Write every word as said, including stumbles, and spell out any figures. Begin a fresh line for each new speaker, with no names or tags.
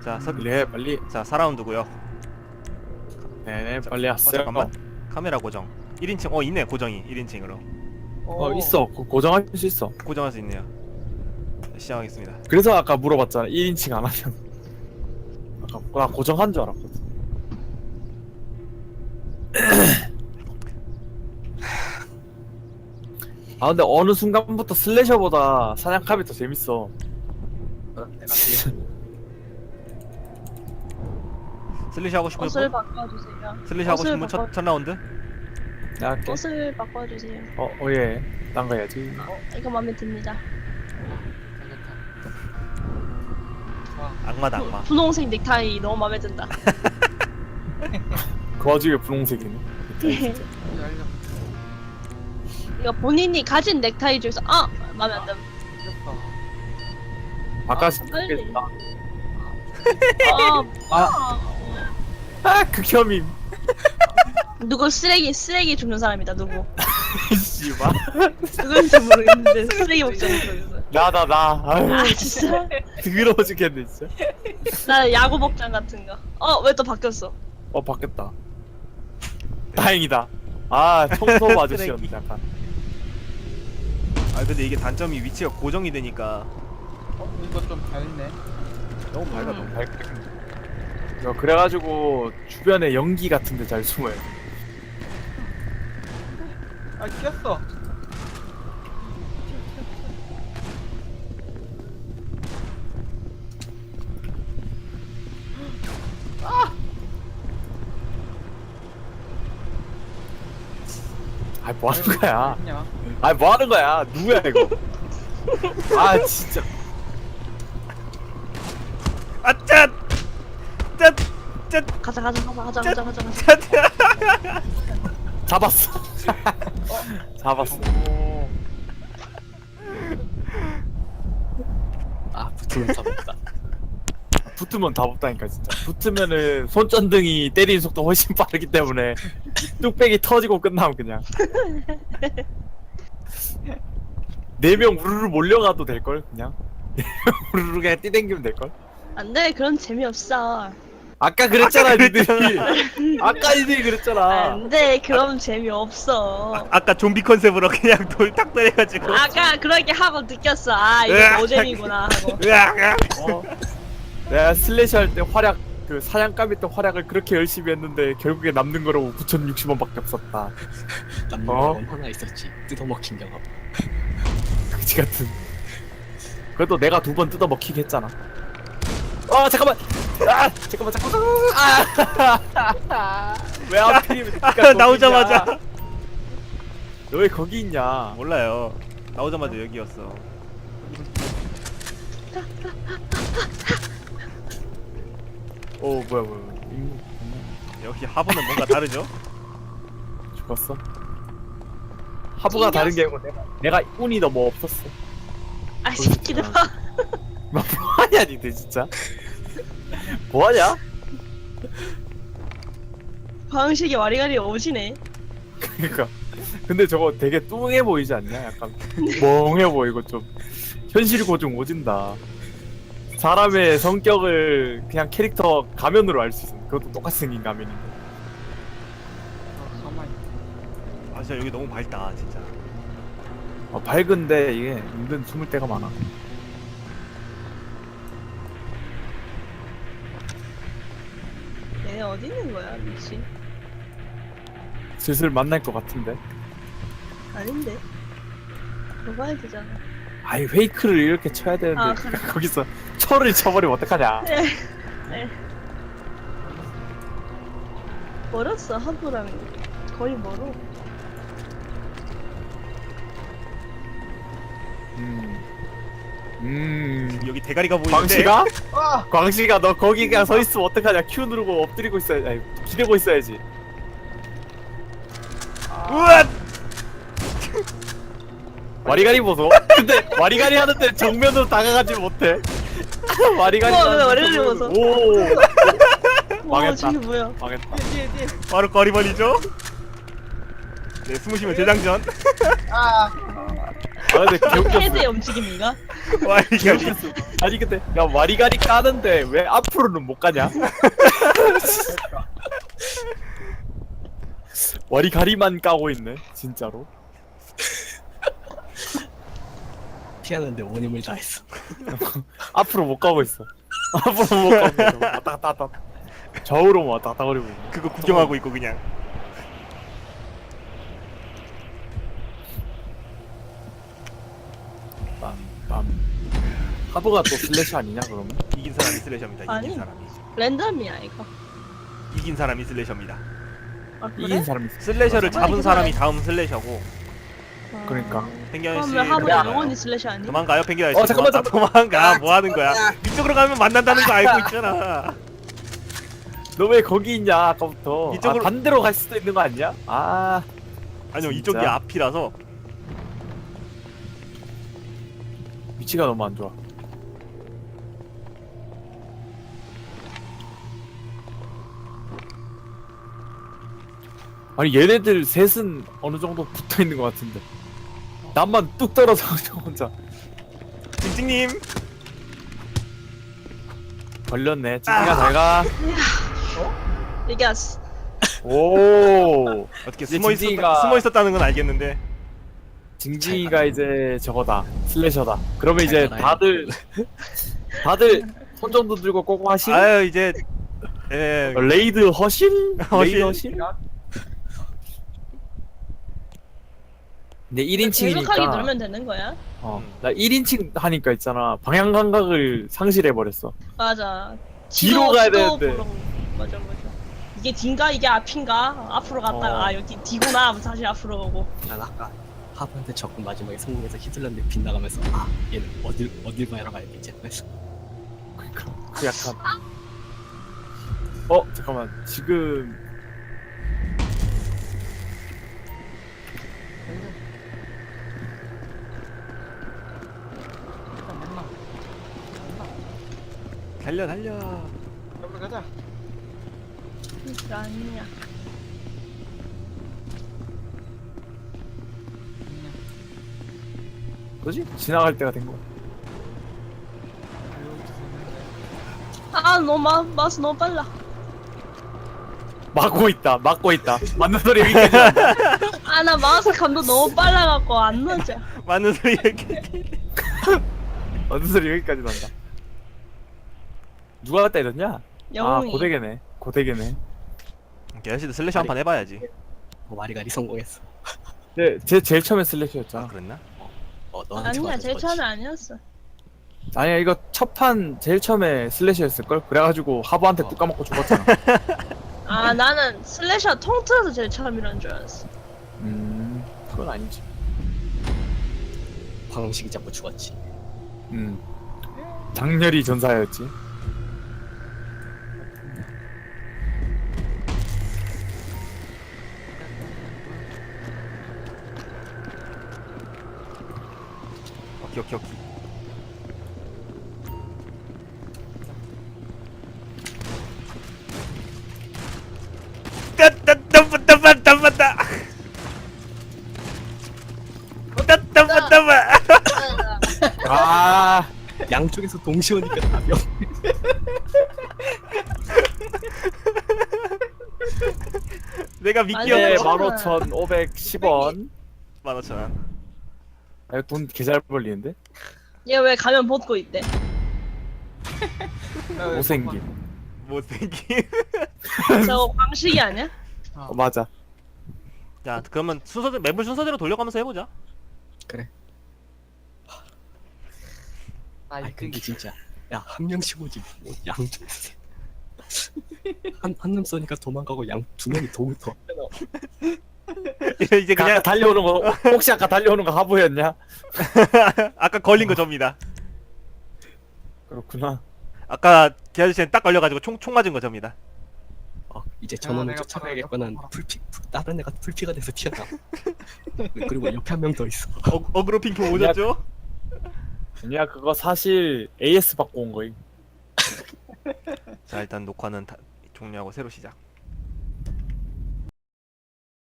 자, 서,
빨리 해 빨리.
자, 사 라운드고요.
네네 빨리
어,
왔어요.
잠깐만. 카메라 고정. 일 인칭. 어, 있네. 고정이 일 인칭으로.
어 있어. 고, 고정할 수 있어.
고정할 수 있네요. 자, 시작하겠습니다.
그래서 아까 물어봤잖아. 일 인칭 안 하면. 아까 나 고정한 줄 알았거든. 아 근데 어느 순간부터 슬래셔보다 사냥감이 더 재밌어.
슬래시 하고 싶은
옷을
분?
바꿔주세요.
슬래시 하고 싶은 분
옷을
첫, 첫 라운드?
나 할게.
옷을 바꿔주세요.
어, 어, 예. 딴 거 해야지.
어, 이거 마음에 듭니다.
악마다 악마.
분홍색 넥타이 너무 마음에 든다.
그 와중에 분홍색이네.
이거 본인이 가진 넥타이 중에서 아 마음에 안 든.
바깥이
아, 빨리.
좋겠다.
아,
아. 아, 극혐임.
누구 쓰레기 쓰레기 줍는 사람이다 누구.
씨발.
누구인지 모르겠는데 쓰레기 복장 보여줘.
나다 나. 아유,
아 진짜.
더러워 죽겠네 진짜.
나 야구 복장 같은 거. 어 왜 또 바뀌었어?
어 바뀌었다. 다행이다. 아 청소 아저씨였는데 약간.
아, 근데 이게 단점이 위치가 고정이 되니까
어? 이거 좀 밝네.
너무 밝아.
음.
너무
밝- 어, 그래가지고 주변에 연기 같은데 잘 숨어요.
아 꼈어.
아 뭐 하는 거야?
그냥.
아 뭐 하는 거야? 누구야 이거? 아 진짜.
아, 짠! 짠! 짠!
가자 가자 가자 가자 가자 가자 가자.
짠!
잡았어. 잡았어.
오.
아 붙으면 다 붙다. 붙으면 다 붙다니까 진짜. 붙으면은 손전등이 때리는 속도 훨씬 빠르기 때문에 뚝배기 터지고 끝나면 그냥 네 명 우르르 몰려가도 될 걸 그냥. 네 명 우르르 그냥 뛰댕기면 될 걸.
안돼 그런 재미없어.
아까 그랬잖아
아까
니들이. 아까 니들이 그랬잖아.
안돼 그럼 재미없어.
아까 좀비 컨셉으로 그냥 돌 탁 때려가지고.
아까 그렇게 하고 느꼈어. 아 이거
으악.
노잼이구나 하고.
으악! 으악!
어. 내가 슬래시 할 때 활약 그 사냥감이 때 활약을 그렇게 열심히 했는데 결국에 남는 거로 구천육십 원밖에 없었다.
남는
어?
건 하나 있었지. 뜯어먹힌 경험.
그치 같은. 그래도 내가 두 번 뜯어 먹히게 했잖아. 아 잠깐만. 아 잠깐만 잠깐만. 아왜 하필이면
아, 나오자마자.
너 왜 거기 있냐?
몰라요. 나오자마자 여기였어.
어 뭐야 뭐야. 음,
역시 하부는 뭔가 다르죠?
죽었어. 하부가 다른 게 아니고 내가 내가 운이 너무 없었어.
아 새끼들.
뭐하냐 니들 진짜. 뭐하냐?
방식이 와리가리 오시네.
그니까 근데 저거 되게 뚱해 보이지 않냐? 약간 멍해 보이고 좀 현실 고증 오진다. 사람의 성격을 그냥 캐릭터 가면으로 알 수 있어. 그것도 똑같이 생긴 가면인데.
어, 가만히.
아, 진짜 여기 너무 밝다, 진짜.
어, 밝은데 이게 은근 숨을 때가 많아.
얘네 어디 있는 거야 미친.
슬슬 만날 것 같은데.
아닌데. 들어가야 되잖아.
아이 페이크를 이렇게 쳐야 되는데
아, 그래.
거기서 철을 쳐버리면 어떡하냐.
네. 네. 멀었어 하부랑 거의 멀어.
음. 음.
여기 대가리가 보이는데.
광시가?
아!
광시가 너 거기 그냥 서 있으면 어떡하냐. Q 누르고 엎드리고 있어야지. 아니 기대고 있어야지.
우와!
와리가리 보소. 근데 와리가리 하는데 정면으로 다가가지 못해. 와리가리.
우와, 왜
하는데
와리가리
정면으로-
보소?
오.
와
망했다.
저게 뭐야?
망했다.
뒤에 뒤에 뒤에.
바로 거리벌리죠? 네, 숨으시면 재장전.
아!
아 근데 개웃겼어.
헤드의 움직임인가?
와 이게
개웃겼어. 아니 근데 야 와리가리 까는데 왜 앞으로는 못 가냐? 와리가리만 까고 있네 진짜로.
피하는데 온 힘을 다했어.
앞으로 못 가고 있어. 앞으로 못 가고 있어. 왔다 갔다 왔다 갔다. 좌우로 왔다 갔다 거리고 있네.
그거 구경하고 있고 그냥.
빰빰. 하버가 또 슬래시 아니냐 그러면?
이긴 사람이 슬래셔입니다. 이긴
아니.
사람이.
랜덤이야 이거.
이긴 사람이 슬래셔입니다.
아, 그래?
이긴 사람이 있어.
슬래셔를
맞아.
잡은
아니,
사람이
근데-
다음 슬래셔고.
아,
그러니까.
penguin 씨.
그러면 하부
도망가요.
영원히 슬래시 아니?
도망가요, penguin 씨.
어, 잠깐만,
도망가, 도망가. 뭐 하는 거야? 이쪽으로 가면 만난다는 거 알고 있잖아.
너 왜 거기 있냐 아까부터.
이쪽으로-
아, 반대로 갈 수도 있는 거 아니야? 아
아니요,
진짜?
이쪽이 앞이라서.
위치가 너무 안 좋아. 아니 얘네들 셋은 어느 정도 붙어 있는 것 같은데 나만 뚝 떨어져 혼자
찡찡님.
걸렸네. 찡찡아 잘가.
이겼어.
오
어떻게
이제
숨어 있었
징징이가-
숨어 있었다는 건 알겠는데.
징징이가 이제 저거다 슬래셔다. 그러면 이제
잘
다들 다들 손 정도 들고 꼬고 하실?
아유 이제 예.
어, 레이드 허실?
허실?
레이드 허실? 근데 일 인칭이니까
계속하게 누르면 되는 거야?
어, 나 일 인칭 하니까 있잖아 방향 감각을 상실해버렸어.
맞아.
뒤로 가야 되는데.
보러- 맞아 맞아. 이게 뒤인가 이게 앞인가? 앞으로 갔다가
어.
아 여기 뒤구나 하면 다시 앞으로 가고.
난 아까 하부한테 적군 마지막에 성공해서 히틀러한테 빗나가면서 아 얘는 어딜 어딜 봐야 가야겠지. 그래서
그니까 그 약간 어 잠깐만 지금
일단 만나. 만나.
달려 달려.
빨리 가자.
이거 아니냐?
뭐지? 지나갈 때가 된 거야.
아 너무 마, 마스 너무 빨라.
막고 있다 막고 있다 맞는 소리 여기까지 난다.
아 나 마우스 감도 너무 빨라갖고 안 맞아.
맞는 소리 이렇게.
맞는 소리 여기까지 난다. 누가 갖다 이랬냐? 아
영웅이.
고대계네 고대계네.
개아씨도 슬래시 한 판 해봐야지.
뭐 와리가리 성공했어.
네, 제 제일 처음에
아
슬래시였잖아.
그랬나?
어 너한테
아니야
맞아서
제일
그렇지.
처음에 아니었어.
아니야 이거 첫 판 제일 처음에 슬래시였을걸? 그래가지고 하부한테
어.
뚝 까먹고 죽었잖아.
아 나는 슬래셔 통틀어서 제일 처음이란 줄 알았어.
음 그건 아니지.
광식이 잡고 죽었지.
음 장렬히 전사였지.
오케이 오케이 오케이. 따따따따따따따. 따따따따따.
아
양쪽에서 동시에 오니까 답이 없.
내가
아니,
미끼였어.
네,
괜찮아.
만 오천 오백십 원.
만 오천 원.
아, 돈 개잘 벌리는데?
얘 왜 가면 벗고 있대?
못생김.
못생긴.
저거 광식이 아니야?
어, 맞아.
자 그러면 순서대 맵을 순서대로 돌려가면서 해보자.
그래.
아
아니
이
근데 진짜 야 한 명씩 오지 뭐 양쪽에서 한한 놈 쏘니까 도망가고 양 두 명이 도우 더.
이제
아까
그냥
달려오는 거 혹시 아까 달려오는 거 하부였냐?
아까 걸린 거 접니다.
그렇구나.
아까 개 아저씨는 딱 걸려가지고 총, 총 맞은 거 접니다.
어 이제
야,
저놈을
내가
쫓아가야겠거는
팔아,
풀피 풀- 다른 애가 풀피가 돼서 튀어나와. 그리고 옆에 한 명 더 있어.
어, 어그로 핑퐁 오졌죠?
아니야 그거 사실 에이에스 받고 온 거임.
자 일단 녹화는 다 종료하고 새로 시작.